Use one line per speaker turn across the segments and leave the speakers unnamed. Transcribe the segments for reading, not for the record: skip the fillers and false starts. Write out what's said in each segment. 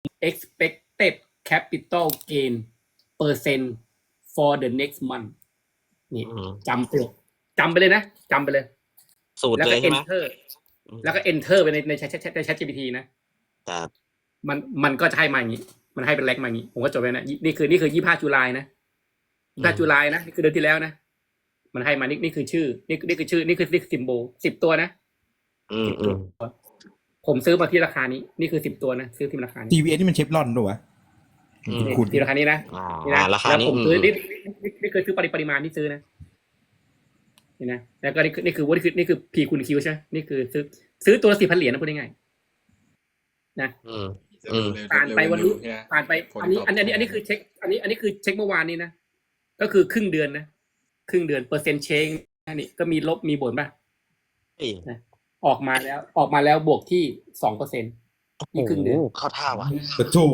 expected capital gain percent for the next month นี่จำไปเลยนะจำไปเลย
สูตรเลยใช่ไหม
แล้วก็ enter ไปใน Chat GPT นะครับมันก็จะให้มาอย่างนี้มันให้เป็นเล็กมาอย่างนี้ผมก็จดไว้นะนี่คือ25ตุลานะ25ตุลานะนี่คือเดือนที่แล้วนะมันให้มานี่คือชื่อนี่คือชื่อนี่คือซิมโบล10ตัวนะผมซื้อมาที่ราคานี้นี่คือ10ตัวนะซื้อที่ราคานี้
TVS นี่มันเชฟรอนด้วยวะ
คุณที่ราคานี้นะ
ราคานี้
ผมซื้อนี่คือซื้อปริมาณที่ซื้อนะนี่นะแล้วก็นี่คือ P คูณ Q ใช่ไหมนี่คือซื้อตัวละ 4,000 เหรียญนะพูดง่ายๆนะผ่านไปวันนี้ผ่านไปอันนี้คือเช็คอันนี้คือเช็คเมื่อวานนี้นะก็คือครึ่งเดือนนะครึ่งเดือนเปอร์เซ็นต์เชงนี่ก็มีลบมีบนป่ะนะออกมาแล้วบวกที่ 2% นี่ครึ่งเดือน
เข้าท่าวะ
โธ่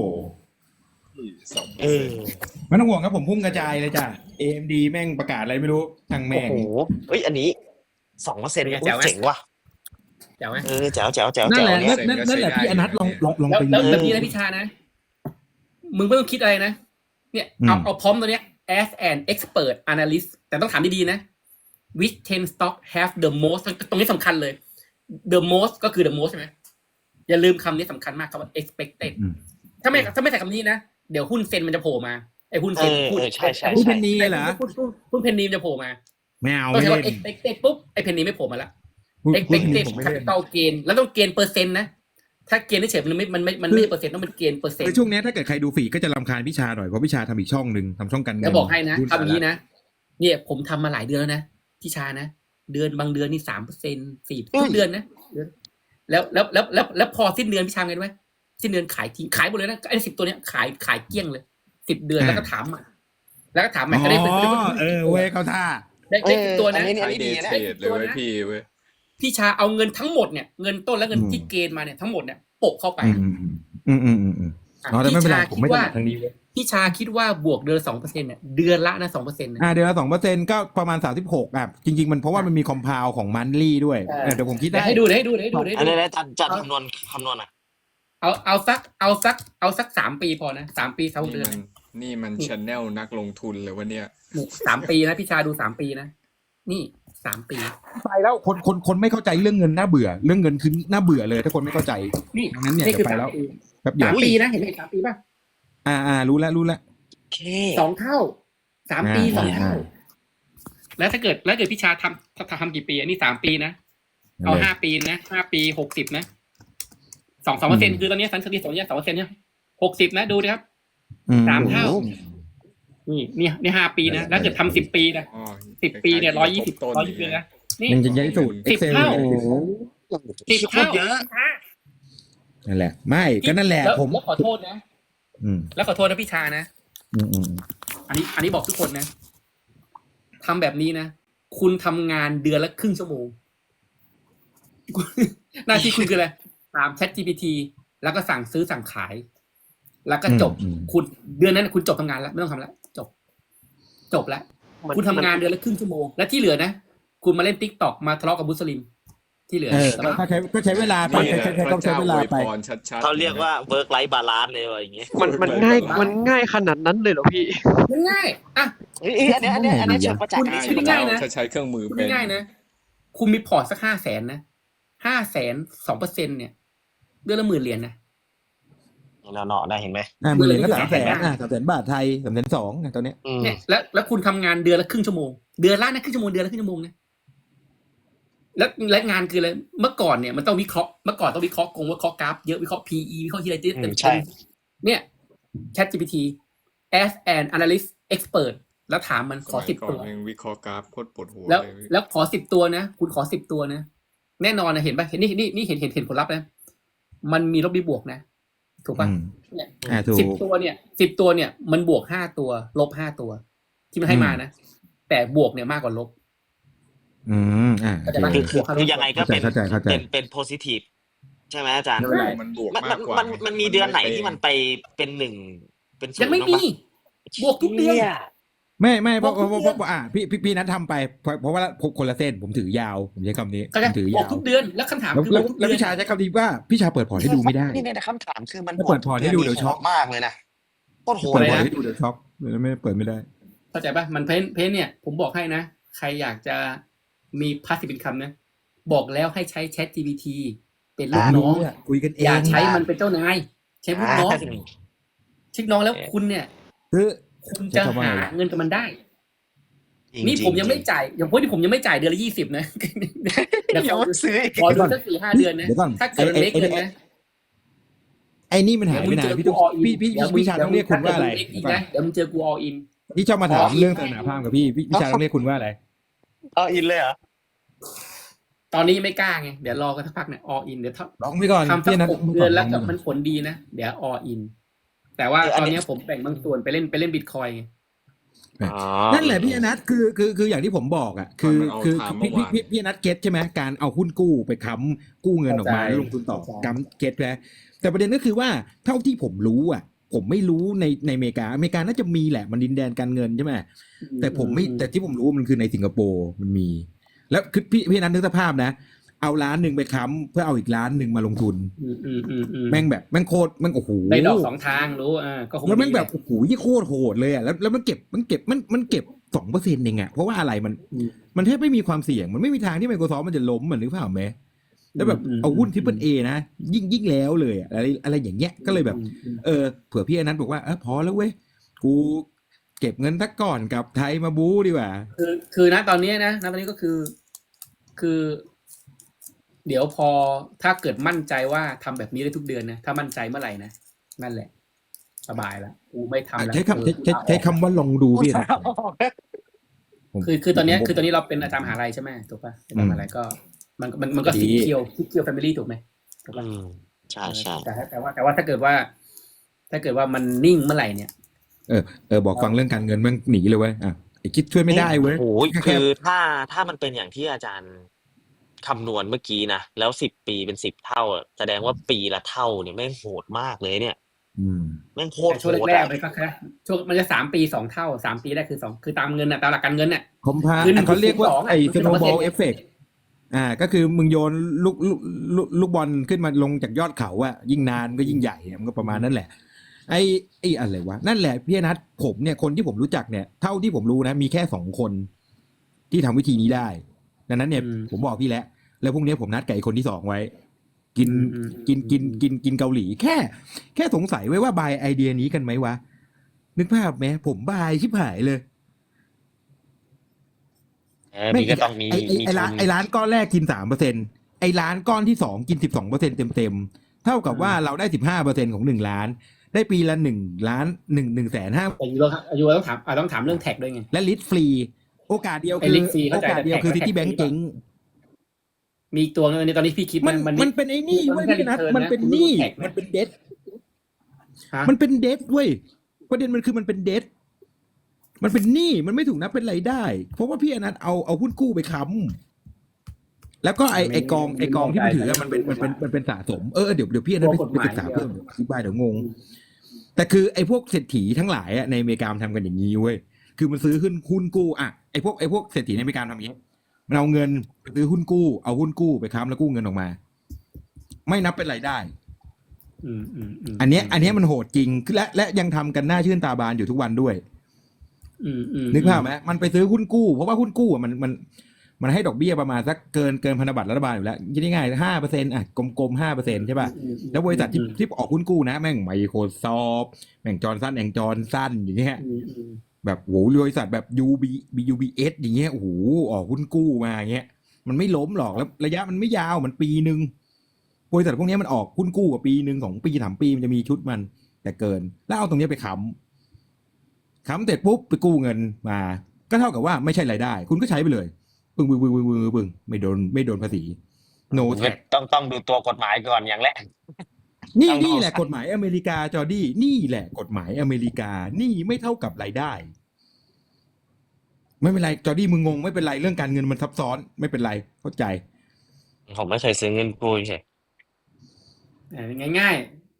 ไม่ต้องห่วงครับผมพุ่งกระจายเลยจ้ะ AMD แม่งประกาศอะไรไม่รู้ทางแม่ง
เฮ้ยอันนี้ 2% เจ๋งว่ะ
แจ๋วไหม
แจ๋ว
นั่นแหละพี่อนัทลองไป
แล้วแบบนี้นะพี่ชานะมึงไม่ต้องคิดอะไรนะเนี่ยเอาพร้อมตัวเนี้ย as an expert analyst แต่ต้องถามดีๆนะ which 10 stock have the most ตรงนี้สำคัญเลย the most ก็คือ the most ใช่ไหมอย่าลืมคำนี้สำคัญมากครับว่า expected ถ้าไม่ใส่คำนี้นะเดี๋ยวหุ้นเซ็นมันจะโผล่มาไอ้หุ้นเซ็น
ใช่
หุ้นเพนนีเหรอ
หุ้นเพนนีมันจะโผล่มา
ไม่เอา
ต้องใช้ว่า expected ปุ๊บไอ้เพนนีไม่โผล่มาแล้ว expected capital gain แล้วต้องเกณฑ์เปอร์เซ็นต์นะถ้าเกณฑ์เฉยมันไม่เปอร์เซ็นต์ต้องเป็นเกณฑ์เปอร์เซ็นต์
ช่วงนี้ถ้าเกิดใครดูฝีก็จะรำคาญพิชาหน่อยเพราะพิชาทำอีกช่องนึงทำช่องกัน
จะบอกให้นะทำอย่างนี้นะเนี่ยผมทำมาหลายเดือนแล้วนะพิชานะเดือนบางเดือนนี่ 3% 4%ทุกเดือนนะแล้วพอสิ้นเดือนพิชาไงรู้ไหมสิ้นเดือนขายทิ้งขายหมดเลยนะไอ้10ตัวเนี้ยขายเกลี้ยงเลย10 เดือนแล้วก็ถามใหม่ก็ได้
เว้ยเขาท่า
ได้ตัวนะ
อันนี้ดีนะเลยพี่เว้ย
พี่ชาเอาเงินทั้งหมดเนี่ยเงินต้นและเงินที่เกณฑ์มาเนี่ยทั้งหมดเนี่ยโปะเข้าไป
แต่ไม่เป็นไรผมไม่ถนัดทางนี้
พี่ชาคิดว่าบวกเดือน 2% เนี่ยเดือนละนะ 2%
เดือนละ 2% ก็ประมาณ36จริงๆมันเพราะว่ามันมีคอมพาวของมันลี่ด้วยเดี๋ยวผมคิดได้
ให้ดู
อันนี้จัดคำนวณอ่ะ
เอาสัก3 ปีพอนะ3 ปี3 เดือน
นี่มัน channel นักลงทุนเลยวันเนี้ย
3 ปีนะพี่ชาดู3 ปีนะนี่3 ปี
ไปแล้วคนไม่เข้าใจเรื่องเงินน่าเบื่อเรื่องเงินคือน่าเบื่อเลยถ้าคนไม่เข้าใจ
นี่
งั้นเนี่ยจะไปแล้ว
แบบ3 ปีนะเห็นไหม3 ปีป่ะ
รู้แล้ว
2 เท่า3 ปี 2 เท่าแล้วถ้าเกิดพี่ชาทำกี่ปีอันนี้3 ปีนะเอา5 ปีนะ5 ปี60นะ2% คือตอนนี้สันสติ2% เนี่ย60นะดูดิครับ3 เท่านี่5 ปีนะแล้วเกิดทำ10 ปีนะ10 ปีเนี่ย120เลยนะนี่
มันจะใหญ่สุด
10 เท่า10 เท่าเยอะ
นั่นแหละไม่ก็นั่นแหละผม
ขอโทษนะแล้วขอโทษนะพี่ชานะอันนี้บอกทุกคนนะทำแบบนี้นะคุณทำงานเดือนละครึ่งชั่วโมงหน้าที่คุณคืออะไรตาม Chat GPT แล้วก็สั่งซื้อสั่งขายแล้วก็จบคุณเดือนนั้นคุณจบทำงานแล้วไม่ต้องทำแล้วจบแล้วคุณทำงานเดือนละครึ่งชั่วโมงและที่เหลือนะคุณมาเล่น TikTok มาทะเลาะกับมุสลิมที่เหลือ
ก็ใช้เวลาไปต้องใช้เวลาไป
เขาเรียกว่า work life balance เลยอะไรอย่างเงี้ย
มันง่ายขนาดนั้นเลยเหรอพี่
มันง่ายอ่ะ
อันนี้เชิงประจักษ์
ง่ายนะ
ใช้เครื่องมือเป็น
ง่ายนะคุณมีพอร์ตสัก 500,000 นะ 500,000 2% เนี่ยเดือนละ 10,000 เหรียญนะ
เนาะได้เห็นไหม
10,000 เหรียญก็300,000 บาทไทย 320,000ตอนนี้
เนี่ยแล้วคุณทำงานเดือนละครึ่งชั่วโมงเดือนละนะครึ่งชั่วโมงเดือนละครึ่งชั่วโมงนะและงานคืออะไรเมื่อก่อนเนี่ยมันต้องวิเคราะห์วิเคราะห์วิเคราะห์กราฟเยอะวิเคราะห์ PE วิเคราะห์ที่อะไร
ใช่
เนี่ย ChatGPT as an analyst expert แล้วถามมันขอ10 ตัว
วิเคราะห์กราฟโคตรปวดหัว
แล้วขอ10 ตัวนะคุณขอ10 ตัวนะแน่นอนนะเห็นป่ะเห็นนี่เห็นผลลัพธ์นะมันมีลบมีบวกนะถูกป่ะเนี่ย10 ตัวเนี่ยมันบวก5 ตัวลบ5 ตัวที่มันให้มานะแต่บวกเนี่ยมากกว่าลบ
คือยังไงก็เป็น positive ใช่ไหมอาจารย์
มันบวกมากกว่า
มันมีเดือนไหนที่มันไปเป็น1เป็น0
ยังไม่มีบวกทุกเดือน
ไม่เพราะ
บอกทุกเดือน
พี่นัททำไปเพราะว่าคนละเส้นผมถือยาว ผมใช้คำนี้
ก็
ผ
จะ
มถือบ
อย
าก ว
ทุกเดือนแล้วคำถาม
แล้ว
คือ
แล้ว
บอกทุก
แล้ว
เดือน
พี่ชายใช้คำนี้ว่าพี่ชายเปิดพอร์ตให้ดูไม่ได้
นี่ในคำถามคือมัน
ถ้าเปิดพอร์ตให้ดูเดี๋ยวช็อก
มากเลยนะโคตรโหด
เปิด
เลย
พอร์ต
นะ
ให้ดูเดี๋ยวช็อกเลยไม่เปิดไม่ได้
เข้าใจป่ะมันเพนเนี่ย ผมบอกให้นะ ใครอยากจะมีพาสซีฟอินคัมนะบอกแล้วให้ใช้ Chat GPT เป็นลูกน้อง
คุยกันเอ
อย่าง ใช้มันเป็นเจ้านายใช้ลูกน้องเช็คน้องแล้วคุณเนี่ย
คือ
คุณจะหาเงินกับมันได้
จริง
นี่
ๆ
ผมยังไม่จ่ายอย่างพวกที่ผมยังไม่จ่ายเดือนละ20นะ เดี๋ยว
เดี๋ยวซื้ออีก
ขอดูสัก4-5 เดือนนะ
เดี๋ยวก่อน
ถ้าเกิดมันเล็กเลยนะ
ไอ้นี่มันหายไปนานพี่ต้องพี่ชายต้องเรียกคุณว่าอะไร
เดี๋ยวมึงเจอกู all in
พี่ชอบมาถามเรื่องศาสนาพราหมณ์กับพี่ชายต้องเรียกคุณว่าอะไร
เอาอินเลยเหรอ
ตอนนี้ยังไม่กล้าไงเดี๋ยวรอกันสักพักเนี่ย all in เดี๋ยว
ลองไปก่อน
ทำสั
พี่
ก
นัท
6 เดือนแล้วก็มันผลดีนะเดี๋ยว all in แต่ว่าตอนนี้ผมแบ่งบางส่วนไปเล่นบิตคอยไง
นั่นแหละพี่อนัทคืออย่างที่ผมบอกอ่ะคือพี่อนัทเก็ตใช่ไหมการเอาหุ้นกู้ไปค้ำกู้เงินออกมาแล้วลงทุนต่อกำเก็ตแล้วแต่ประเด็นก็คือว่าเท่าที่ผมรู้อ่ะ ผมไม่รู้ในอเมริกาน่าจะมีแหละมันดินแดนการเงินใช่ไหมแต่ผมไม่แต่ที่ผมรู้มันคือในสิงคโปร์มันมี แล้วคือพี่อนัทนึกสภาพนะเอา1,000,000ไปค้ำเพื่อเอาอีก1,000,000มาลงทุนแม่งแบบแม่งโคตรแม่งโอ้โห
ได้ดอก2 ทางรู้ก็คง
แล้วแม่งแบบโอ้โหยี่โคตรโหดเลยอ่ะแล้วมันเก็บ2%เองอ่ะเพราะว่าอะไรมันแทบไม่มีความเสี่ยงมันไม่มีทางที่ Microsoft มันจะล้มเหมือนหรือเปล่าไหมแล้วแบบเอาหุ้น Triple A นะยิ่งแล้วเลยอะไรอย่างเงี้ยก็เลยแบบเผื่อพี่อนันต์บอกว่าพอแล้วเว้ยกูเก็บเงินสักก่อนกับไทยมาบู๊ดีกว่า
คือนะตอนนี้นะตอนนี้ก็คือ เดี๋ยวพอถ้าเกิดมั่นใจว่าทำแบบนี้ได้ทุกเดือนนะถ้ามั่นใจเมื่อไหร่นะนั่นแหละสบายละกูไม่ทำแล้ว
ใช้คำว่าลองดูพี่นะ
คือตอนนี้เราเป็นอาจารย์มหาลัยใช่ไหมถูกป่ะอาจารย์มหาลัยก็มันก็สีเขียวแฟมิลี่ถูกไหมถูกป่ะ
ใช่
แต่ว่าถ้าเกิดว่ามันนิ่งเมื่อไหร่เนี่ย
บอกฟังเรื่องการเงินมันหนีเลยเว้ยไอ้คิดช่วยไม่ได้เว้ย
โอ้ยคือถ้ามันเป็นอย่างที่อาจารย์คำนวณเมื่อกี้นะแล้ว10 ปีเป็น10 เท่าแสดงว่าปีละเท่าเนี่ยแม่งโหดมากเลยเนี่ยแม่งโคตรโหด
ช่วงแรกๆมันก็แค่ช่วงมันจะ3 ปี2 เท่า3 ปีแรกคือ2คือตามเงินน่ะตามหลักการเงินน่ะ
คอมพาเขาเรียกว่าไอ้ snowball effect ก็คือมึงโยนลูกบอลขึ้นมาลงจากยอดเขาอะยิ่งนานก็ยิ่งใหญ่มันก็ประมาณนั้นแหละไอ้อะไรวะนั่นแหละพี่อนัทผมเนี่ยคนที่ผมรู้จักเนี่ยเท่าที่ผมรู้นะมีแค่2 คนที่ทำวิธีนี้ได้ดังนั้นเนี่ยผมบอกพี่แล้วพรุ่งนี้ผมนัดกับไอ้คนที่2ไว้กินเกาหลีแค่สงสัยไว้ว่าบายไอเดียนี้กันไหมวะนึกภาพไหมผมบายชิบหายเลย
มีก็ต้องมี
ไอ้ร้านก้อนแรกกิน 3%ไอ้ร้านก้อนที่2กิน 12% เต็มเท่ากับว่าเราได้ 15% ของ1 ล้านได้ปีละ1 ล้าน1.5
แต่ยูต้องถามเรื่องแท็กด้วยไง
และลิสต์ฟรีโอกาสเดียวคือซิตี้แบงก์เจ๊ง
มีตัวนึงในตอนนี้พี่คิด
มันเป็นไอ้นี่เว้ยพี่นัทมันเป็นนี่มันเป็นเดทมันเป็นเดทเว้ยประเด็นมันคือมันเป็นเดทมันเป็นหนี้มันไม่ถูกนับเป็นรายได้เพราะว่าพี่อนัทเอาหุ้นกู้ไปค้ำแล้วก็ไอกองที่มันถือมันเป็นสะสมเดี๋ยวพี่อนัทไปศึกษาเพิ่มอธิบายเดี๋ยวงงแต่คือไอพวกเศรษฐีทั้งหลายในอเมริกาทำกันอย่างนี้เว้ยคือมันซื้อหุ้นกู้ไอพวกเศรษฐีในอเมริกาทำอย่างนี้มันเอาเงินไปซื้อหุ้นกู้เอาหุ้นกู้ไปค้ำแล้วกู้เงินออกมาไม่นับเป็นรายได้อันเนี้ยมันโหดจริงและยังทำกันหน้าชื่นตาบานอยู่ทุกวันด้วยนึกภาพไหมมันไปซื้อหุ้นกู้เพราะว่าหุ้นกู้มันให้ดอกเบี้ยประมาณสักเกินพันธบัตรรัฐบาลอยู่แล้วคิดง่ายๆ 5% กลมๆ 5% ใช่ป่ะแล้วบริษัทที่ออกหุ้นกู้นะแม่ง Microsoft แม่งจอห์นสันอย่างเงี้ยแบบโหบริษัทแบบ UBS อย่างเงี้ยโอ้โหออกหุ้นกู้มาอย่างเงี้ยมันไม่ล้มหรอกแล้วระยะมันไม่ยาวมันปีนึงบริษัทพวกนี้มันออกหุ้นกู้กับปีนึง2 ปี3 ปีมันจะมีชุดมันแต่เกินแล้วเอาตรงนี้ไปค้ำเสร็จปุ๊บไปกู้เงินมาก็เท่ากับว่าไม่ใช่รายได้คุณก็ใช้ไปเลยปึ้งไม่โดนภาษี no tax
ต้องดูตัวกฎหมายก่อนอย่างแรก
นี่แหละกฎหมายอเมริกาจอร์ดี้นี่แหละกฎหมายอเมริกานี่ไม่เท่ากับรายได้ไม่เป็นไรจอร์ดี้มึงงงไม่เป็นไรเรื่องการเงินมันซับซ้อนไม่เป็นไรเข้าใจ
ผมไม่เคยซื้อเงินกู้ใช่
ง่าย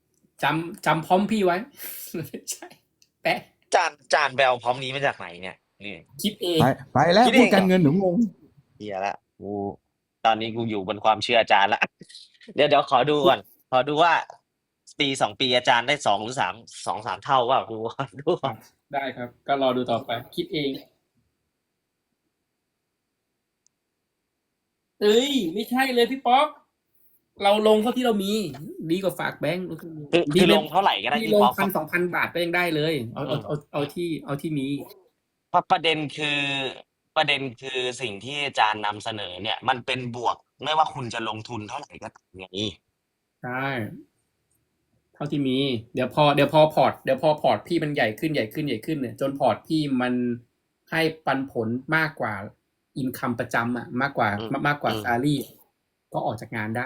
จำพร้อมพี่ไว้ใช่แปะ
จานแบลพร้อมนี้มาจากไหนเนี่ยนี่
คิดเอง
ไปแล้ว
คิดเอง
พูดการเงินหนูงง
เฮียละกูตอนนี้กูอยู่บนความเชื่ออาจารย์ละ เดี๋ยวขอดูก่อนขอดูว่าปี2 ปีอาจารย์ได้2 หรือ 3 2-3 เท่าว่าดูก่อนดูก่อน
ได้ครับ ก็รอดูต่อไป คิดเอง เอ้ย ไม่ใช่เลยพี่ป๊อกเราลงเท่าที่เรามี ดีกว่าฝากแบงค์
คือลงเท่าไหร่ก็ได้
ที่
พี่
ลง
ป๊อก
1,000-2,000 บาทก็ยังได้เลย เอาที่มี
ประเด็นคือสิ่งที่อาจารย์นำเสนอเนี่ย มันเป็นบวกไม่ว่าคุณจะลงทุนเท่าไหร่ก็ตามไง
ใช่ เท่าที่มี เดี๋ยวพอพอร์ตพี่มันใหญ่ขึ้นเนี่ย จนพอร์ตพี่มันให้ปันผลมากกว่าอินคัมประจำมากกว่าซาลรี่ก็ออกจากงานได้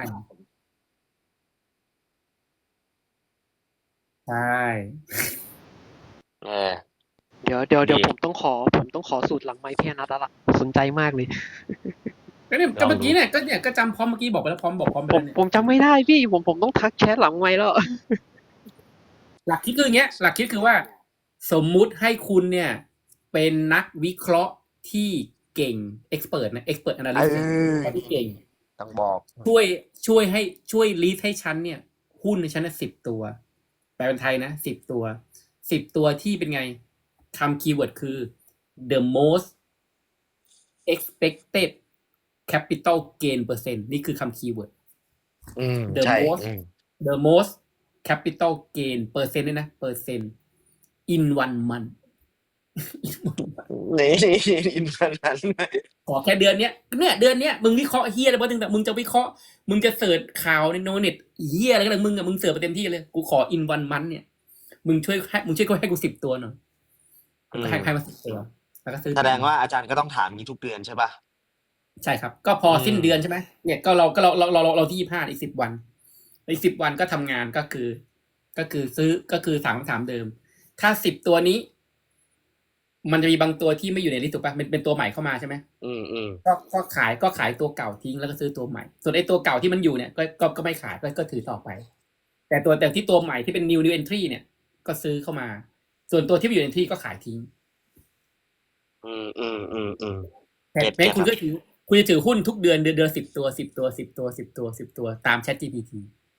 ใช่
เออ
เดี๋ยว
ดี
ผมต้องขอสูตรหลังไมค์พี่อนัทแล้วล่ะสนใจมากเลย
ก็เนี่ยก็เมื่อกี้เนี่ยก็จำพร้อมเมื่อกี้บอกไปแล้วพร้อมไป
ผ
แล้ว
ม
เนี่ย
ผมจำไม่ได้พี่ผมต้องทักแชทหลังไมค์แล้ว
หลักคิดคืออย่างเงี้ย หลักคิดคือว่า สมมุติให้คุณเนี่ย เป็นนักวิเคราะห์ที่เก่ง expert นะ expert analyst ที่เก่ง
ต้องบอก
ช่วยลีดให้ฉันเนี่ย หุ้นในฉันนะ10 ตัว แปลเป็นไทยนะ10 ตัว10 ตัวที่เป็นไงคำคีย์เวิร์ดคือ the most expected capital gain percent นี่คือคำคีย์เวิร์ด the
ใช่
most the most capital gain percent ด้วยนะ percent in 1 month
นี่อินฟนั้น
ขอแค่เดือนเนี้ยมึงวิเคราะห์เฮียอะไรบ้างแต่มึงจะวิเคราะห์มึงจะเสิร์ชข่าวในโนเน็ตเฮียอะไรก็ได้มึงเสิร์ชไปเต็มที่เลยกูขอ in 1 month เนี่ยมึงช่วยให้กู10 ตัวหน่อยก็ให้มา10 ตัวแล้วก็ซื้อ
แสดงว่าอาจารย์ก็ต้องถามนี้ทุกเดือนใช่ป่ะ
ใช่ครับ ก็พอสิ้นเดือนใช่ไหมเนี่ยก็เราที่25อีก10 วันอีก10 วันก็ทำงานก็คือซื้อก็คือถามเดิม ถ้า10 ตัวนี้ มันจะมีบางตัวที่ไม่อยู่ในลิสต์ถูกป่ะเป็นตัวใหม่เข้ามาใช่ไหมก็ขายตัวเก่าทิ้งแล้วก็ซื้อตัวใหม่ ส่วนไอ้ตัวเก่าที่มันอยู่เนี่ยก็ไม่ขายก็ถือต่อไป แต่ที่ตัวใหม่ที่เป็น new entry เนี่ย ก็ซื้อเข้ามา ส่วนตัวที่ไม่อยู่ใน entry ก็ขายทิ้งแต่คุณจะถือหุ้นทุกเดือน10 ตัวตาม ChatGPT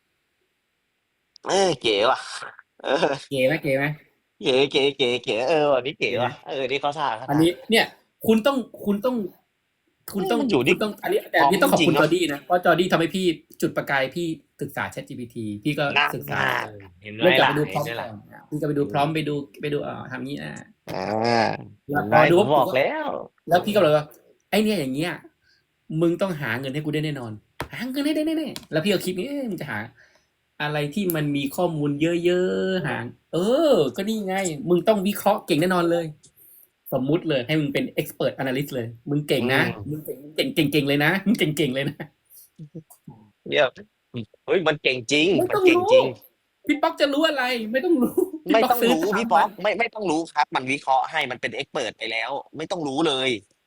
เก๋ว่ะ
เก๋ไหม
เก๋วันนี้เก๋ว่ะนี่เขาท่า
อันนี้เนี่ยคุณต้อง
มันอยู่ที่
อันนี้ต้องขอบคุณจอร์ดี้นะเพราะจอร์ดี้ทำให้พี่จุดประกายพี่ศึกษา ChatGPT พี่ก็ศึกษา
เห็นไหม
เริ่มจาก
ล่ะ
ไปดูพร้อม
เห็นไหม
ก่
ล่ะ
อนพี่ก็ไปดูพร้อมไปดูทำนี้แล้วพ
ได้
อดู
ผมบอกแล้ว
แล้วพี่ก็เลยว่าไอเนี่ยอย่างเงี้ยมึงต้องหาเงินให้กูได้แน่นอนหาเงินให้ได้แน่ๆแล้วพี่ก็คิดนี่มึงจะหาอะไรที่มันมีข้อมูลเยอะๆหาก็นี่ไงมึงต้องวิเคราะห์เก่งแน่นอนเลย สมมุติเลยให้มึงเป็น expert analyst เลยมึงเก่งนะมึงเก่งเลยนะมึงเก่งเลยนะ
เนี่ยเฮ้ยมันเก่งจริง
ไม่
มัน
ต้อง
เก่ง
รู้
จริง
พี่ป๊อกจะรู้อะไรไม่ต้องรู้
ไม่ต้องรู้
ซื้
พี่ป๊อกไม่ต้องรู้ครับ มันวิเคราะห์ให้มันเป็นเอ็กเปิดไปแล้ว ไม่ต้องรู้เลย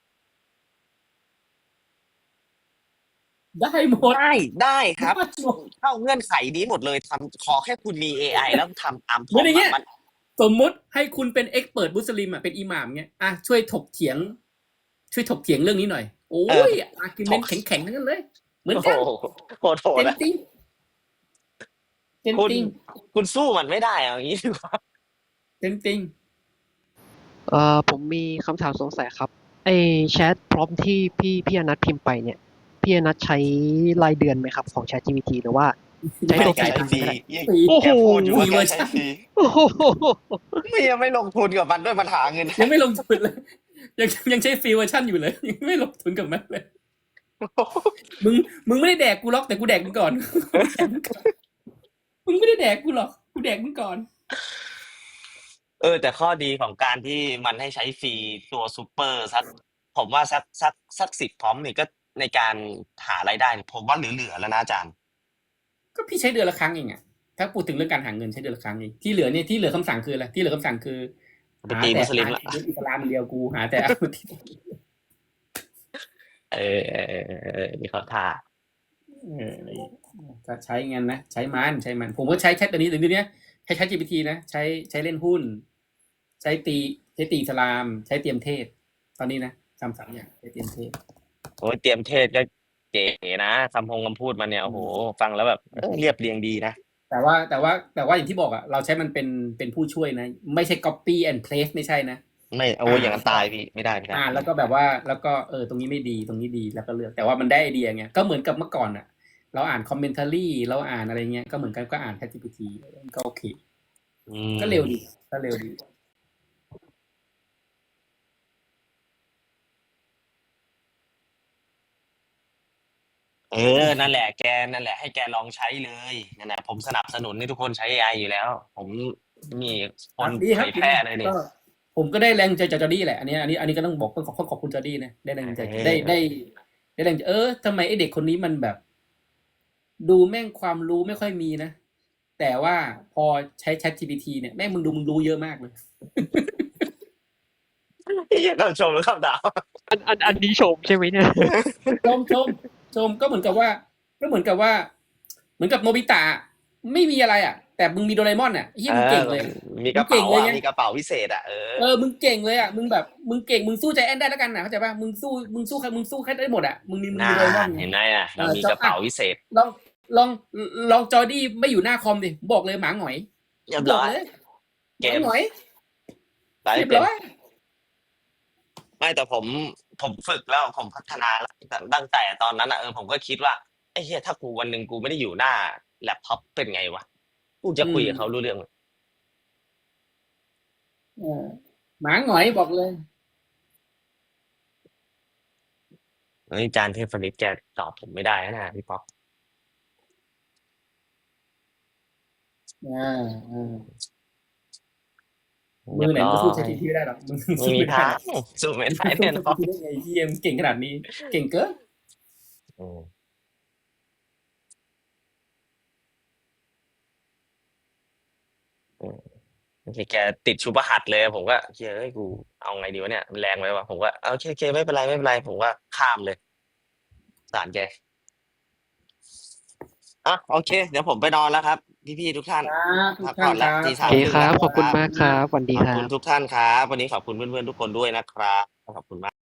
ได้หมด
ได้ครับ
ได้หมด
เข้าเงื่อนไขนี้หมดเลยขอแค่คุณมี AI แล้วทำตาม
เหมือนอย่างเงี้ย
มัน
สมมุติให้คุณเป็น expert มุสลิมเป็นอิหม่ามเงี้ยช่วยถกเถียงเรื่องนี้หน่อยโอ้ยอาร์กิวเมนต์แข็งๆทั้งนั้นเลยเหมือน
โอ้
กัน
โหโหด
เต็ม
นะ
จริงเต็ม
คุณ
จริง
คุณสู้มันไม่ได้อย่างนี้ดีกว่า
เต็มจริง
ผมมีคำถามสงสัยครับไอแชทพร้อมที่พี่อนัทพิมพ์ไปเนี่ยพี่อนัทใช้รายเดือนไหมครับของ ChatGPT หรือว่าใช้ตัวฟรี
ฟรี
โอ้โห
แกพูดอยู่ว่าแกใช้ฟรี
โอ้โห
ยังไม่ลงทุนกับมันด้วยมันหาเงิน
ยังไม่ลงทุนเลยยังใช้ฟรีเวอร์ชันอยู่เลยยังไม่ลงทุนกับมันเลยมึงไม่ได้แดกกูหรอกแต่กูแดกมึงก่อน มึงไม่ได้แดกกูหรอกกูแดกมึงก่อน
แต่ข้อดีของการที่มันให้ใช้ฟรีตัวซูเปอร์ผมว่าสัก10 พร้อมนี่ก็ในการหารายได้ผมว่าเหลือแล้วนะอาจารย์
ก็พี่ใช้เดือนละครั้งเองอะถ้าพูดถึงเรื่องการหาเงินใช้เดือนละครั้งเองที่เหลือคำสั่งคืออะไรที่เหลือคำสั่งคือ
ไปตีมุสลิมละ
หาแต่อิสลามเดียวกูหาแต่
นี่เขาท่า
ก็ใช้เงินนะใช้มันผมก็ใช้แชทตัวนี้ใช้ ChatGPT นะใช้เล่นหุ้นใช้ตีอิสลามใช้เตรียมเทศตอนนี้นะ3อย่างไปเตรียมเทส
โอ้ยเตรียมเทศก็เก๋นะคำพูดมันเนี่ยโอ้โหฟังแล้วแบบเรียบเรียงดีนะ
แต่ว่าอย่างที่บอกอ่ะเราใช้มันเป็นผู้ช่วยนะ ไม่ใช่ copy and paste ไม่ใช่นะ
ไม่โอ้ยอย่างนั้นตายพี่ไม่ได้ไม่ได้
แล้วก็แบบว่าแล้วก็ตรงนี้ไม่ดีตรงนี้ดีแล้วก็เลือกแต่ว่ามันได้ไอเดียไงก็เหมือนกับเมื่อก่อนอ่ะ เราอ่านคอมเมนต์รี่เราอ่านอะไรเงี้ยก็เหมือนกันก็อ่าน ChatGPT ก็โอเคก็เร็วดีก็เร็วดี
นั่นแหละแกนั่นแหละให้แกลองใช้เลยนั่นแหละผมสนับสนุนให้ทุกคนใช้ AI อยู่แล้ว ผมมีคน
ดีค
เผ
รับ
ยแพร่เลยเนี่ย
ก็ผมก็ได้แรงใจจากจอร์ดี้แหละอันนี้ก็ต้องบอกต้องขอบคุณจอร์ดี้นะได้แรงใจได้แรงทำไมไอเด็กคนนี้มันแบบ ดูแม่งความรู้ไม่ค่อยมีนะ แต่ว่าพอใช้ ChatGPT เนี่ยแม่งมึงรู้เยอะมากเลย
คำชมหรือคำด่า
อันนี้ชมใช่ไหมเนี่ย
ชมก็เหมือนกับว่าเหมือนกับโนบิตะไม่มีอะไรอ่ะ แต่มึงมีโดราเอมอนอ่ะเฮียมึงเก่งเลย
มีกระเป๋า
มึงเก่งเลยไง
มีกระเป๋าวิเศษ
มึงเก่งเลยอ่ะมึงแบบมึงเก่งมึงสู้ใจแอนได้แล้วกันนะเข้าใจป่ะมึงสู้ใครมึงสู้ใครได้หมดอ่ะมึงมีโดราเอมอน
เห็นไหมเรามีกระเป๋าวิเศษ
ลองจอร์ดี้ไม่อยู่หน้าคอมดิบอกเลยหมาหงอย
เรียบ
บ
ร้
อก
อย
เลยห
เก
มาม หงอย
ได้
เรียบ
เป็น
ร้อย
ไม่แต่ผมฝึกแล้วผมพัฒนาแล้วตั้งแต่ตอนนั้นผมก็คิดว่าไอ้เหี้ยถ้ากูวันหนึ่งกูไม่ได้อยู่หน้าแล็ปท็อปเป็นไงวะกูจะคุยกับเขารู้เรื่องไหม
หมาหงอยบอกเลย
อาจารย์เทพนิตแกตอบผมไม่ได้นะพี่ป๊อก
มือไหนก็สู้ ChatGPT ไม่ได้หรอกมึง
ไม่มีทางสู้ไม่ได้แน่นอน
ได้ไงที่ยังเก่งขนาดนี้ เก่งเกิน
แกติดชุบหัดเลยผมก็เฮ้ยกูเอาไงดีวะเนี่ยมันแรงไปวะผมก็โอเคไม่เป็นไรผมก็ข้ามเลยสารแกโอเค เดี๋ยวผมไปนอนแล้วครับพี่ทุกท่าน
ทุกท่านครับ
ตี
โอ
สาม
เคครับ ขอบคุณมากครับสวัสดี
ขอบ
ครั
คุณ
บ
ทุกท่านครับวันนี้ขอบคุณเพื่อนๆทุกคนด้วยนะครับขอบคุณมาก